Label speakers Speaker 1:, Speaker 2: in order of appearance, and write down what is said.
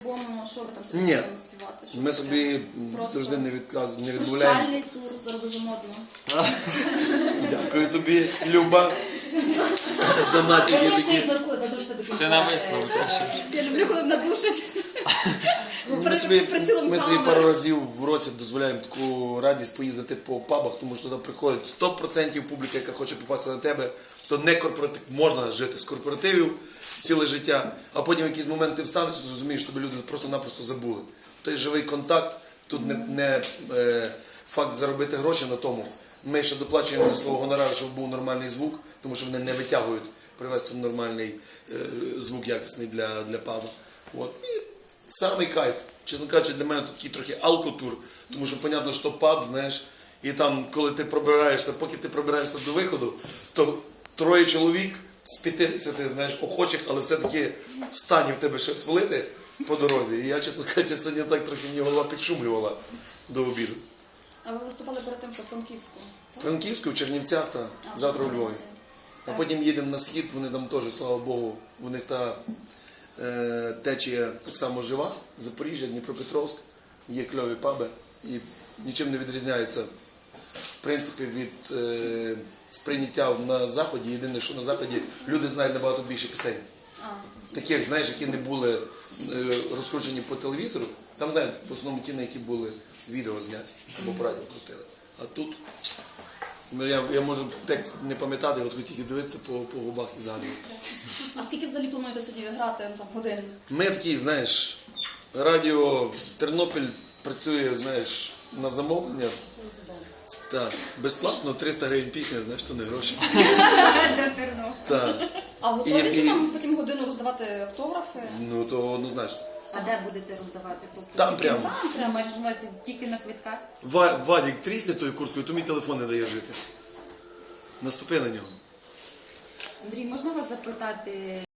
Speaker 1: Бо що ви там собі
Speaker 2: Ні,
Speaker 1: будемо співати? Що
Speaker 2: ми
Speaker 1: таке?
Speaker 2: собі
Speaker 1: Просто
Speaker 2: завжди не відмовляємо.
Speaker 1: Прощальний тур, зараз дуже модно.
Speaker 2: Дякую тобі, Люба, за натяки такі.
Speaker 3: Це на висновок.
Speaker 1: Я люблю, коли надушать.
Speaker 2: Ми собі пару разів в році дозволяємо таку радість поїздити по пабах, тому що туди приходить 100% публіка, яка хоче попасти на тебе. То не корпоратив, можна жити з корпоративів ціле життя, а потім в якийсь момент ти встанеш і зрозумієш, що тебе люди просто-напросто забули. Той живий контакт, тут не факт заробити гроші на тому. Ми ще доплачуємо за свого гонорару, щоб був нормальний звук, тому що вони не витягують привезти нормальний звук якісний для пабу. От. І самий кайф. Чесно кажучи, для мене тут такий трохи алкотур, тому що, понятно, що паб, знаєш, і там, коли ти пробираєшся, поки ти пробираєшся до виходу, то 3 чоловік з 50, знаєш, охочих, але все-таки в стані в тебе щось влити по дорозі. І я, чесно кажучи, сьогодні так трохи мені голова підшумлювала до обіду.
Speaker 1: А ви виступали перед тим, що в Франківську?
Speaker 2: В Франківську, в Чернівцях, та завтра у Львові. А потім їдемо на схід, вони там теж, слава Богу, у них та течія так само жива, Запоріжжя, Дніпропетровськ, є кльові паби і нічим не відрізняється, в принципі, від сприйняття на Заході. Єдине, що на Заході люди знають набагато більше пісень. Таких, знаєш, які не були розкручені по телевізору, там знають в основному ті, на які були відео зняті або по радіо крутили. А тут я можу текст не пам'ятати, от тільки дивитися по губах і згадувати.
Speaker 1: А скільки взагалі плануєте сьогодні грати, там, годин?
Speaker 2: Ми такі, знаєш, радіо Тернопіль працює, знаєш, на замовлення. Так, безплатно 300 гривень пісня, знаєш, то не гроші. Так.
Speaker 1: А готові ж там потім годину роздавати автографи?
Speaker 2: Ну, то однозначно.
Speaker 4: А де будете роздавати?
Speaker 2: Там прямо.
Speaker 1: Там прямо.
Speaker 4: Мається на увазі тільки на квитках?
Speaker 2: Вадік трісне тою курткою, то мій телефон не дає жити. Наступи на нього.
Speaker 4: Андрій, можна вас запитати?